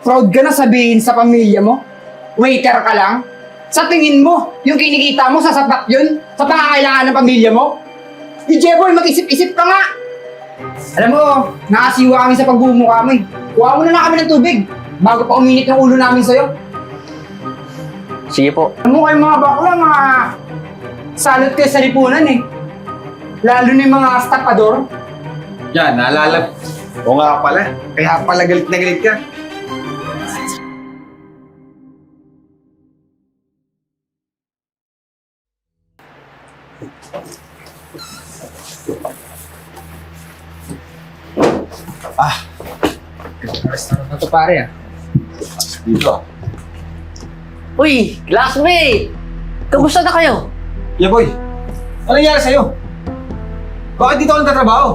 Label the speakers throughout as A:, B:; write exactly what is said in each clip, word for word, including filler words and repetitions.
A: Proud ka na sabihin sa pamilya mo? Waiter ka lang? Sa tingin mo, yung kinikita mo sasapat yun sa pangangailangan ng pamilya mo? Di Jeboy, mag-isip-isip ka nga! Alam mo, nakasiwa kami sa pagbumukha mo eh. Kuha mo na lang kami ng tubig bago pa uminit yung ulo namin sa'yo.
B: Sige po.
A: Alam mo kayo mga bakla, mga salot kayo sa lipunan eh. Lalo na yung mga stapador.
C: Yan, naalala. O nga pala. Kaya pala galit na galit ka. Ah.
A: Restaurant na to pare ah.
C: Dito ah.
B: Uy, classmate! Kamusta na kayo?
C: Yeah boy. Ano nangyari sa'yo? Bakit dito ka nagtatrabaho?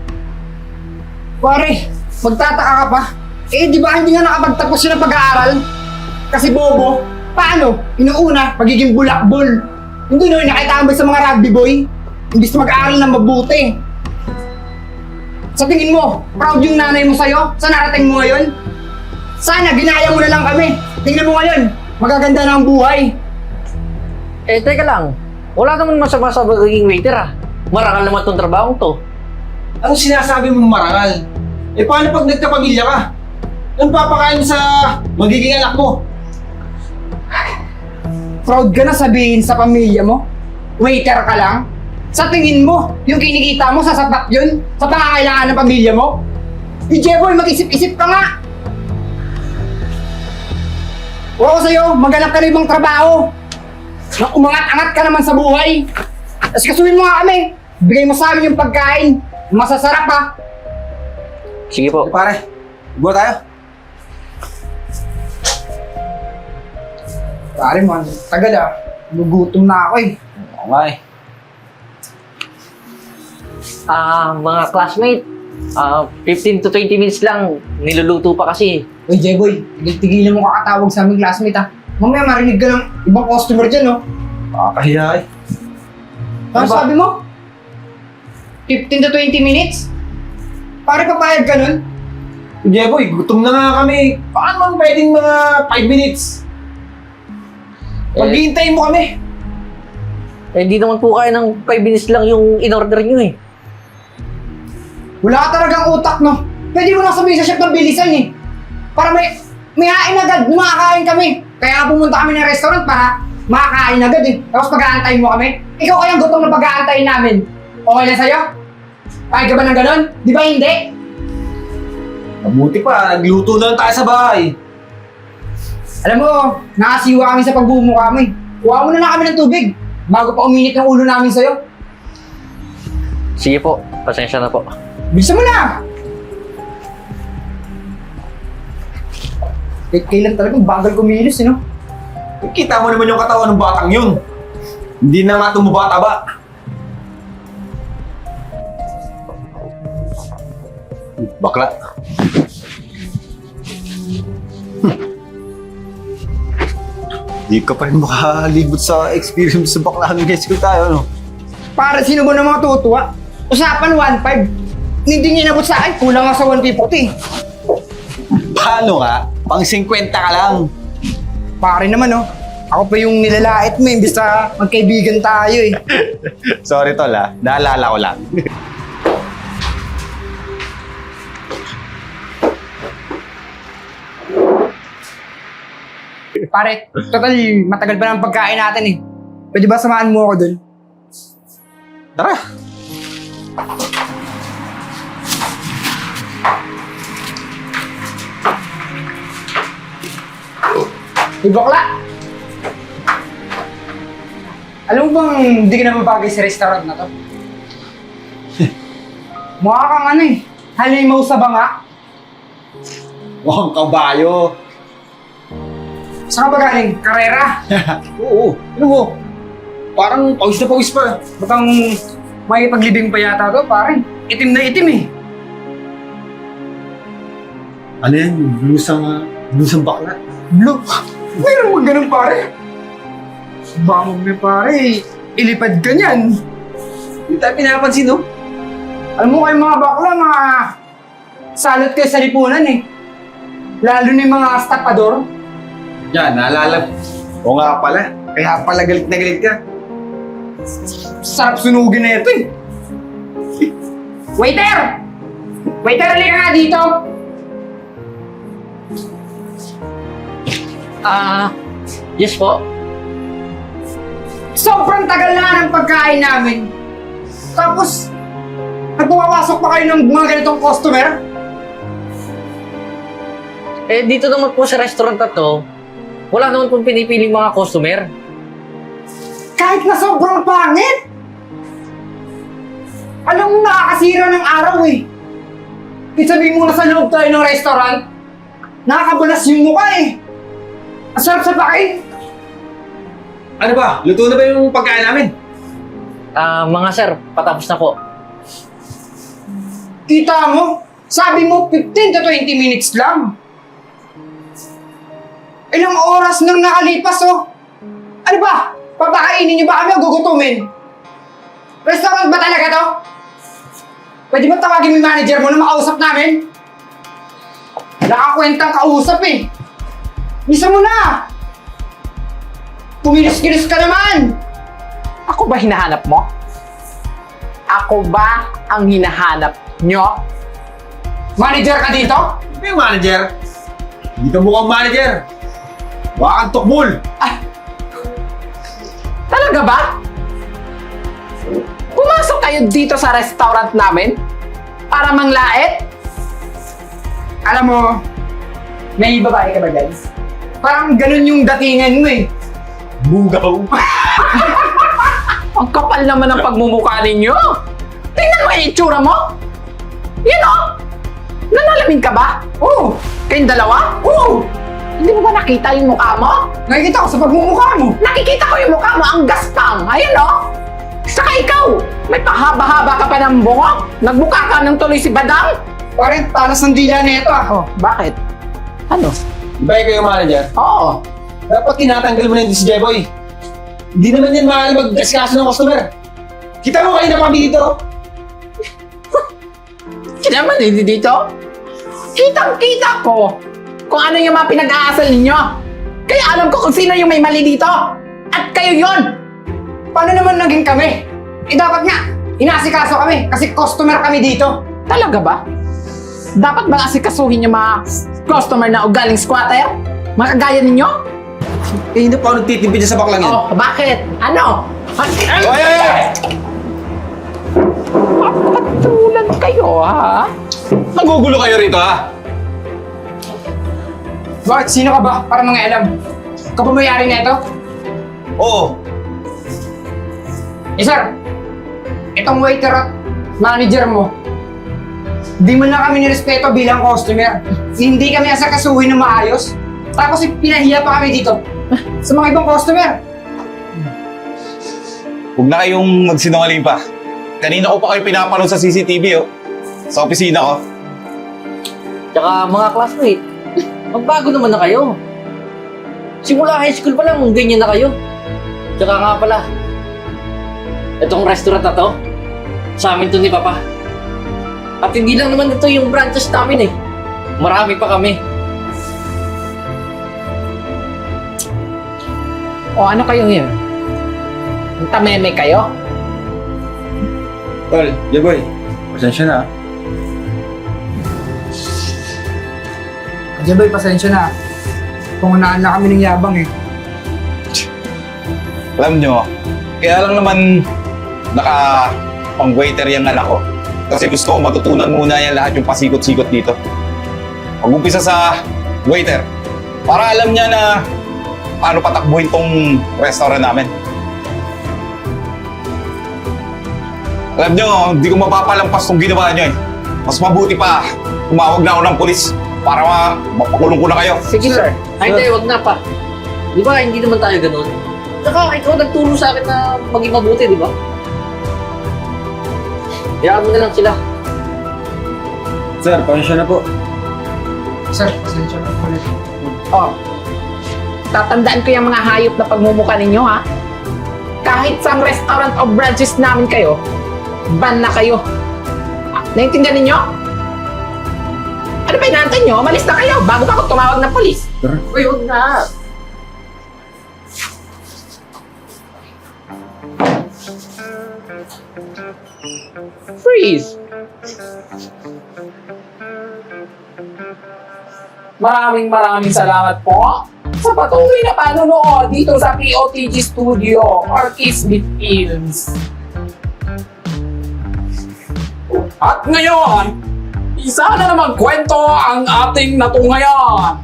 A: Pare, magtataka ka pa? Eh, di ba hindi nga nakapagtapos yun ng pag-aaral? Kasi bobo, paano? Inuuna, pagiging bulakbol. Hindi no, nakitambay sa mga rugby boy. Imbis na mag-aaral na mabuti. Sa tingin mo, proud yung nanay mo sa'yo? Sa narating mo ngayon? Sana, ginaya mo na lang kami. Tingnan mo ngayon, magaganda na ang buhay.
B: Eh, teka lang. Wala naman masama sa pagiging waiter ah. Marangal naman tong trabaho to.
C: Anong sinasabi mong marangal? Eh paano pag nagkapamilya ka? Anong papakain mo sa magiging anak mo?
A: Proud ka na sabihin sa pamilya mo? Waiter ka lang? Sa tingin mo, yung kinikita mo sasapat yun sa pangangailangan ng pamilya mo? Di Jeboy, mag-isip-isip ka nga! Huwag ko sa'yo, maghanap ka na ibang trabaho. Nang umangat-angat ka naman sa buhay. Tapos kasuhin mo nga kami. Bigay mo sa amin yung pagkain. Masasarap ha.
B: Sige po.
C: Eh, pare, buwa tayo.
A: Pare man, tagal ah. Nagugutom na ako eh.
C: Oo nga eh.
B: Ah, mga classmate, ah, fifteen to twenty minutes lang. Niluluto pa kasi.
A: Uy Jeboy, tigil-tigilan mo kakatawag sa aming classmate ha. Mamaya marinig ka ng ibang customer dyan no.
C: Nakakahiya eh.
A: Ano
C: Ano ba?
A: sabi mo? fifteen to twenty minutes? Pare papayag ka nun?
C: Jeboy, gutom na nga kami. Paano man pwedeng mga five minutes? Maghihintay mo kami.
B: Eh, di naman po kaya ng five minutes lang yung in-order nyo eh.
A: Wala ka talagang utak no. Pwede mo lang sabihin sa chef ng bilisan eh. Para may, may hain agad, makakain kami. Kaya nga pumunta kami ng restaurant para makakain agad eh. Tapos pag-aantayin mo kami. Ikaw kayang gutom na pag-aantayin namin. Okay na sa'yo? Kaya ka ba ng ganon? Di ba hindi?
C: Mabuti pa, nagluto na lang tayo sa bahay.
A: Alam mo, nakasiwa kami sa pagbumukha mo eh. Kuha mo na lang kami ng tubig bago pa uminit yung ulo namin sa'yo.
B: Sige po, pasensya na po.
A: Bilisan mo na! Eh, kailan talagang bagal kumilos eh no?
C: Kita mo naman yung katawan ng batang yun. Hindi na nga tumubata-ba. Bakla. Di ka pa rin makalibot sa experience sa bakla ng high school tayo, no?
A: Para sino ba ng mga tutuwa? Usapan one five. Hindi niya inabot sa akin, kulang nga sa one fifty.
C: Paano nga? Pang fifty ka lang.
A: Pare naman oh. Ako pa yung nilalait mo, imbis na magkaibigan tayo eh.
C: Sorry tol ha, naalala ko lang.
A: Pare, total, matagal pa ng pagkain natin eh. Pwede ba samahan mo ako dun?
C: Tara!
A: Hey, bakla! Alam mo bang hindi ka naman bagay sa restaurant na to? Mukha kang ano eh, halimaw sa banga.
C: Mukhang kabayo.
A: Saan ka ba galing? Karera?
C: Oo, ano mo? Parang pawis na pawis pa.
A: Butang may paglibing pa yata to, pare. Itim na itim eh.
C: Ano yan? Blusang, blusang bakla?
A: Blue. Mayroon mo ganun pare. Bangog na pare. Ilipad ka niyan.
C: Hindi tayo pinapansin, no?
A: Alam mo kayo mga bakla, mga salot kayo sa lipunan eh. Lalo na yung mga stapador.
C: Yan, naalala. Oo nga pala. Kaya pala galit na galit ka.
A: Sarap sunugin na ito eh. Waiter! Waiter, halika nga dito!
B: Ah, yes po.
A: Sobrang tagal na ng pagkain namin. Tapos, nagpapasok pa kayo ng mga ganitong customer?
B: Eh, dito naman po sa restaurant na to, wala naman pong pinipiling mga customer.
A: Kahit na sobrang pangit! Alam mo, nakakasira ng araw eh. Sabihin mo na sa loob tayo ng restaurant, nakakabalas yung mukha eh. Ang sarap sa pakain.
C: Ano ba? Luto na ba yung pagkain namin?
B: Ah, mga sir, patapos na po.
A: Kita mo, sabi mo fifteen to twenty minutes lang. Ilang oras nang nakalipas oh. Ano ba? Papakainin niyo ba kami o gugutumin? Restaurant ba talaga to? Pwede ba tawagin mo yung manager mo na makausap namin? Nakakwentang kausap eh. Bisa mo na! Kumilos-kilos ka naman!
D: Ako ba hinahanap mo? Ako ba ang hinahanap nyo?
A: Manager ka dito?
C: Ano yung manager? Hindi ka mukhang manager. Baka kang tukbol.
D: Talaga ba? Pumasok kayo dito sa restaurant namin para manglait?
A: Alam mo, may babae ka ba guys? Parang ganun yung datingan mo eh.
C: Bugaw.
D: Ang kapal naman ng pagmumukha ninyo. Tingnan mo yung itsura mo. Yan o. Nanalamin ka ba?
A: Oo!
D: Kayong dalawa?
A: Oo!
D: Hindi mo ba nakita yung mukha mo?
A: Nakikita ko sa pagmumukha mo.
D: Nakikita ko yung mukha mo, ang gaspang. Ayun o. Saka ikaw, may pahaba-haba ka pa ng bungo. Nagbuka ka ng tuloy si Badang.
A: Parang talas ng dila na ito ah.
D: Oh, bakit? Ano?
C: Di ba ikaw yung manager?
D: Oo.
C: Dapat tinatanggal mo na yung si Jeboy. Hindi naman yan mahal mag-kaskaso ng customer. Kita mo kayo na kami dito.
D: Kaya naman hindi dito. Kitang-kita ko kung ano yung mga pinag-aasal ninyo. Kaya alam ko kung sino yung may mali dito. At kayo yon.
A: Paano naman naging kami? Eh dapat nga, inaasikaso kami kasi customer kami dito.
D: Talaga ba? Dapat ba asikasuhin yung mga customer na ugaling squatter? Mga kagaya ninyo?
C: Eh, hindi pa ako nagtitipid dyan sa baklang yan.
D: Oh, bakit? Ano?
C: Oy, oy, oy!
D: Patulan kayo, ha?
C: Nagugulo kayo rito, ha?
A: Bakit? Sino ka ba? Para mga alam. Ikaw ba may-ari na ito?
C: Oo.
A: Eh sir, itong waiter at manager mo, di mo na kami nirespeto bilang customer. Hindi kami asakasuhin ng maayos. Tapos pinahiya pa kami dito sa mga ibang customer.
E: Huwag na kayong magsinungaling pa. Kanina ko pa kayo pinapanood sa C C T V, oh. Sa opisina ko.
B: Tsaka mga classmate, magbago naman na kayo. Simula high school pa lang, ganyan na kayo. Tsaka nga pala, itong restaurant na to, sa amin to ni Papa. At hindi lang naman ito yung branches namin eh. Marami pa kami.
D: O ano kayo ngayon? Tameme kayo?
C: Tol, Jeboy, pasensya na.
A: Jeboy, pasensya na. Pangunaan na kami ng yabang eh.
E: Alam nyo, kaya lang naman naka pang waiter yung anak ko. Kasi gusto ko matutunan muna yan lahat yung pasikot-sikot dito. Mag-umpisa sa waiter. Para alam niya na paano patakbuhin tong restaurant namin. Alam nyo, hindi ko mapapalampas tong ginawa nyo eh. Mas mabuti pa, tumawag na ako ng polis para ma mapakulong ko na kayo.
D: Sige, sir.
B: Ay, hindi, wag na pa. Di ba, hindi naman tayo ganun. Tsaka ikaw nagturo sa akin na maging mabuti, di ba? Hayaan mo na lang sila.
C: Sir, pasensya na po.
A: Sir, pasensya na ulit.
D: Oh. Tatandaan ko yung mga hayop na pagmumukha ninyo, ha? Kahit sa restaurant o branches namin kayo, ban na kayo. Ah, Naintindihan ninyo? Ano Ano ba inaantay nyo? Umalis na kayo bago pa ako tumawag ng polis.
B: Uy, huwag na.
D: Freeze! Maraming maraming salamat po sa patuloy na panonood dito sa P O T G Studio or Kismet Films. At ngayon, isa na namang kwento ang ating natungayan.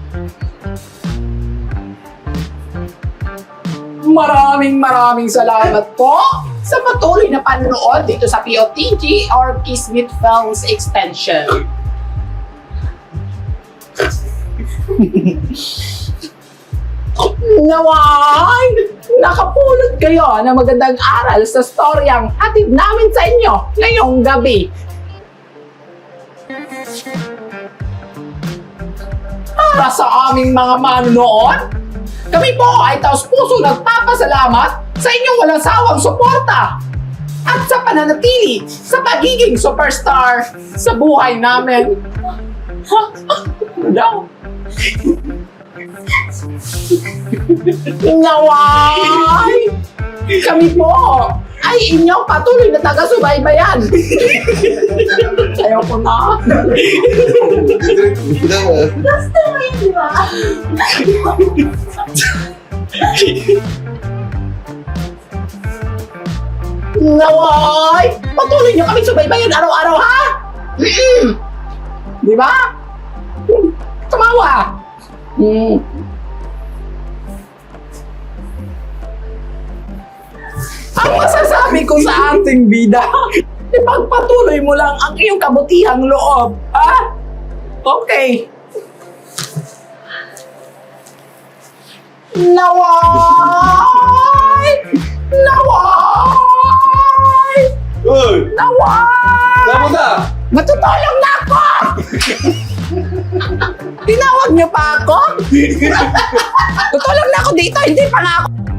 D: Maraming maraming salamat po sa patuloy na panonood dito sa P O T G or Kismet Films Extension. Naway! Nakapulot kayo ng magandang aral sa storyang hatid namin sa inyo ngayong gabi. Para sa aming mga manonood, kami po ay taos puso nagpapasalamat sa inyong walang sawang suporta at sa pananatili sa pagiging superstar sa buhay namin. No. Naway! Kami po ay inyong patuloy na taga-subaybayan. Ayoko na.
F: Gusto mo yun, di ba?
D: Naway! Patuloy niyo kami subaybayan araw-araw, ha? Mm-mm. Di ba? Tumawa! Mm. Ang masasabi ko sa ating bida, ipagpatuloy mo lang ang iyong kabutihang loob, ha? Okay. Naway! Naway!
C: Uy!
D: Naway!
C: Saan mo na?
D: Matutulog na ako! Tinawag niyo pa ako? Tutulog na ako dito, hindi pa nga ako